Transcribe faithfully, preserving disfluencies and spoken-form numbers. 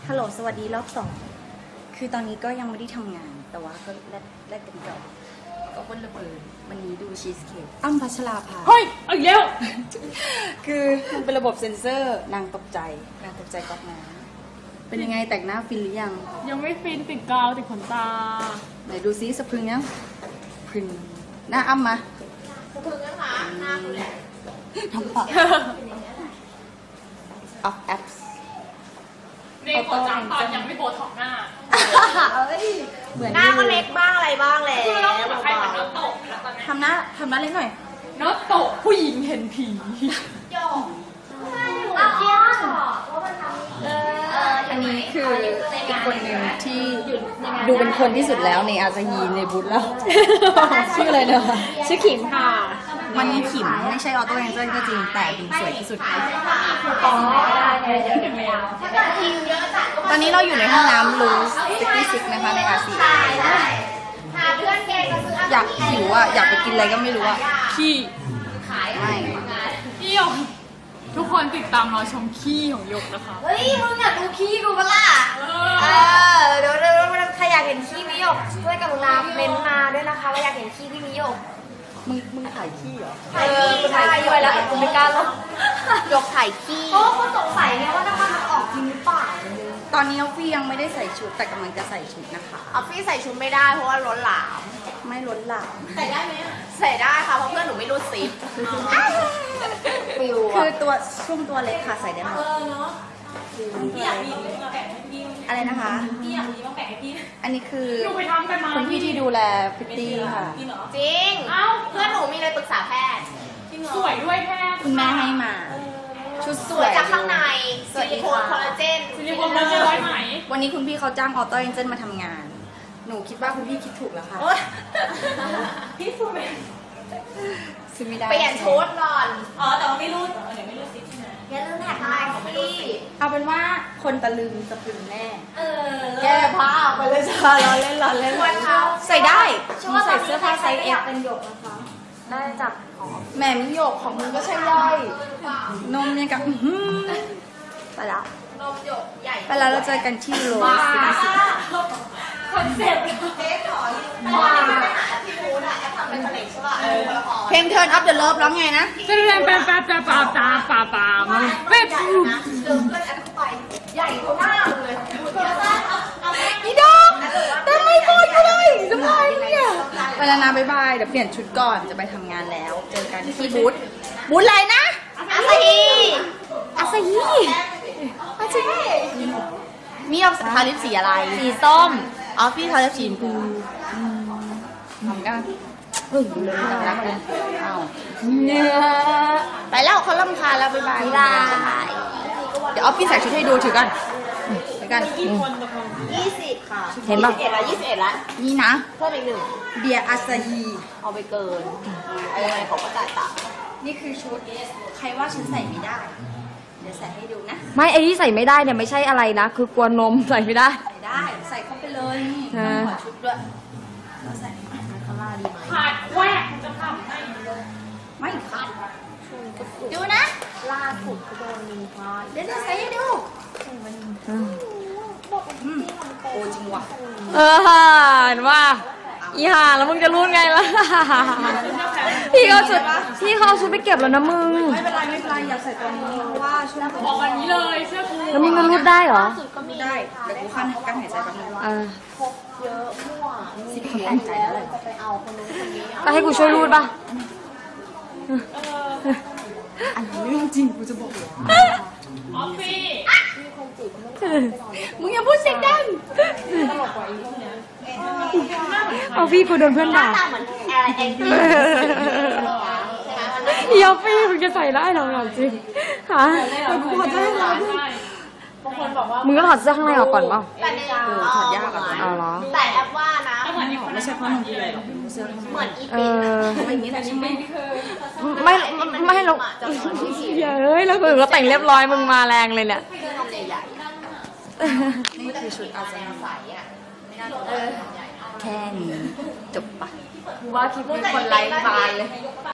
ฮัลโหลสวัสดีรอบสองคือตอนนี้ก็ยังไม่ได้ทำงานแต่ว่าก็แลกแลกกันก่อนก็คนละเบิดวันนี้ดูชีสเค้กอ้ำพัชราภาเฮ้ยเอาอีกแล้วคือมันเป็นระบบเซ็นเซอร์นางตกใจนางตกใจก๊อกน้ำเป็นยังไงแต่งหน้าฟินหรือยังยังไม่ฟินติดกาวติดขนตาไหนดูซิสะพรึงยังพรึงหน้าอ้ำมาสะพรึงนะคะหน้าคุณแหละทำปากออฟแอปเด็กกว่าจังตอนยังไม่โบท็อกหน้าเหมือนหน้าก็เล็กบ้างอะไรบ้างแหละคือเราแบบใครทำน้ำตกทำหน้าทำหน้าเล็กหน่อยน้ำตกผู้หญิงเห็นผีโยกอ้าวเจียนอันนี้คืออีกคนหนึ่งที่ดูเป็นคนที่สุดแล้วในอาซาฮีในบูธแล้วชื่ออะไรเนอะชื่อขิมค่ะมันมีขิมไม่ใช่ออโต้เอนเจอร์ก็จริงแต่ดูสวยที่สุดตอนนี้เราอยู่ในห้องน้ำลูสซิตี้ซิกนะคะในอาเซียอยากหิวอ่ะอยากไปกินอะไรก็ไม่รู้อ่ะขี้ไม่ขี้หยกทุกคนติดตามรอชมขี้ของหยกนะคะเฮ้ยมึงอยากดูขี้กูปะล่ะเออเดี๋ยวเดี๋ยวใครอยากเห็นขี้พี่หยกช่วยกรุณาเม้นมาด้วยนะคะว่าอยากเห็นขี้พี่มิหยกมึงมึงถ่ายขี้เหรอถ่ายขี้ถ่ายขี้แล้วแต่กูไม่กล้าลงหยกถ่ายขี้เพราะคนสงสัยไงว่าน้ำมันมันออกจริงหรือเปล่าตอนนี้ออฟฟี่ยังไม่ได้ใส่ชุดแต่กำลังจะใส่ชุดนะคะออฟฟี่ใส่ชุดไม่ได้เพราะว่าล้นหลามไม่ล้นหลามใส่ได้ไหมใส่ได้ค่ะเพราะเพื่อนหนูไม่รู้ซิปฟิวคือตัวช่วงตัวเล็กค่ะใส่ได้หมดพี่อยากมีมาแบ่งให้พี่อะไรนะคะพี่อยากมีมาแบ่งให้พี่อันนี้คือคุณพี่ที่ดูแลพิตตี้ค่ะจริงเอ้าเพื่อนหนูมีเลยปรึกษาแพทย์สวยด้วยแพทย์คุณแม่ให้มาชุดสวยจากข้างในซิลิโคนคอลลาเจนซิลิโคนคอลลาเจนร้อยไหมวันนี้คุณพี่เขาจ้างออโต้เอนเจนมาทำงานหนูคิดว่าคุณพี่คิดถูกแล้วค่ะพี่ฟูเมนซื้อไม่ได้เปลี่ยนชุดก่อนอ๋อแต่ว่าไม่รู้เดี๋ยวไม่รู้สิใช่ไหมอย่าลืมแท็กไลน์ของพี่เอาเป็นว่าคนตะลึงจะปลึงแน่เออแก้ผ้าไปเลยจ้าเราเล่นเราเล่นใส่ได้มีใส่เสื้อผ้าไซส์เอฟเป็นหยกนะคะได้จับแหม่มิหยกของมึงก็ใช่ย่อยนมยังกับไปแล้วนมหยกใหญ่ไปแล้วเราเจอกันที่โรสซิตี้คอนเซ็ปต์เค้กหอยมาที่มูนอะแอปทำเป็นผลิตใช่ป่ะเพลง Turn Up the Love ร้องไงนะจะเรียนแป๊บแป๊บแป๊บแป๊บแป๊บแป๊บแป๊บเป็ดเดินเพื่อนแอปเข้าไปใหญ่กว่าหน้าเลยอีดอกแต่ไม่พูดเลยทำไมเนี่ยไปแล้วนะบ๊ายบายเดี๋ยวเปลี่ยนชุดก่อนจะไปทำงานแล้วเจอกันที่บูธบูธอะไรนะอาซาฮีอาซาฮีอาซาฮีมีออฟทาลิปสีอะไรสีส้มออฟฟี่ทาลิปสีชมพูทำกันเฮ้ยเลยทำแล้วกันอ้าวเนี่ยไปแล้วเขาล่ำคาแล้วบ๊ายบายเดี๋ยวออฟฟี่ใส่ชุดให้ดูถือกันถือกันยี่สิบค่ะเห็นป่ะยี่สิบเอ็ดละยี่สิบเอ็ดละนี่นะเพิ่มอีกหนึ่งเบียร์อาซาฮีเอาไปเกินเออของก็จ่ายต่างนี่คือชุดใครว่าฉันใส่ไม่ได้เดี๋ยวใส่ให้ดูนะไม่ไอ้ที่ใส่ไม่ได้เนี่ยไม่ใช่อะไรนะคือกลัวนมใส่ไม่ได้ใส่ได้ใส่เข้าไปเลยนี่ต้องขอชุดด้วยเราใส่ข้างล่างดีไหมขาดแหวกจะทำได้ไม่ขาดดูนะล่าสุดก็โดนมีพาเดี๋ยวจะใส่ให้ดูโอ้จริงว่ะเออเห็นว่าอีห่าแล้วมึงจะรู้ไงล่ะพี่เขาชุดพี่เขาชุดไปเก็บแล้วนะมึงไม่เป็นไรไม่เป็นไรอยากใส่ตัวนี้เพราะว่าช่วงบอกวันนี้เลยเชื่อกูแล้วมึงมันรูดได้เหรอได้เดี๋ยวกูขั้นกั้นหายใจแป๊บนึงอ่าพกเยอะมั่วสิบคนตั้งใจแล้วเลยจะไปเอาคนนู้นคนนี้ก็ให้กูช่วยรูดป่ะอันนี้เรื่องจริงกูจะบอกออฟฟี่มีคนจีบมึงอย่าพูดเสียงดังตลกกว่าอีกพวกนี้ออฟฟี่กูโดนเพื่อนด่าหน้าเหมือนอะไรเองอีออฟฟี่มึงจะใส่ได้หรอจริงฮะกูขอโทษนะบางคนบอกว่ามึงก็ถอดเสื้อข้างในออกก่อนป่ะแต่ในเออถอดยากอ่ะอ๋อเหรอแต่แอปว่านะไม่ใช่เพราะมึงเลยหรอกเสื้อเหมือนอีปิดไม่อย่างนี้แหละใช่ไหมไม่ไม่เราเฮ้ยแล้วกูก็แต่งเรียบร้อยมึงมาแรงเลยเนี่ยนี่คือชุดอาซาฮีแค่นี้จบปะว่าคลิปนี้คนไลค์บานเลย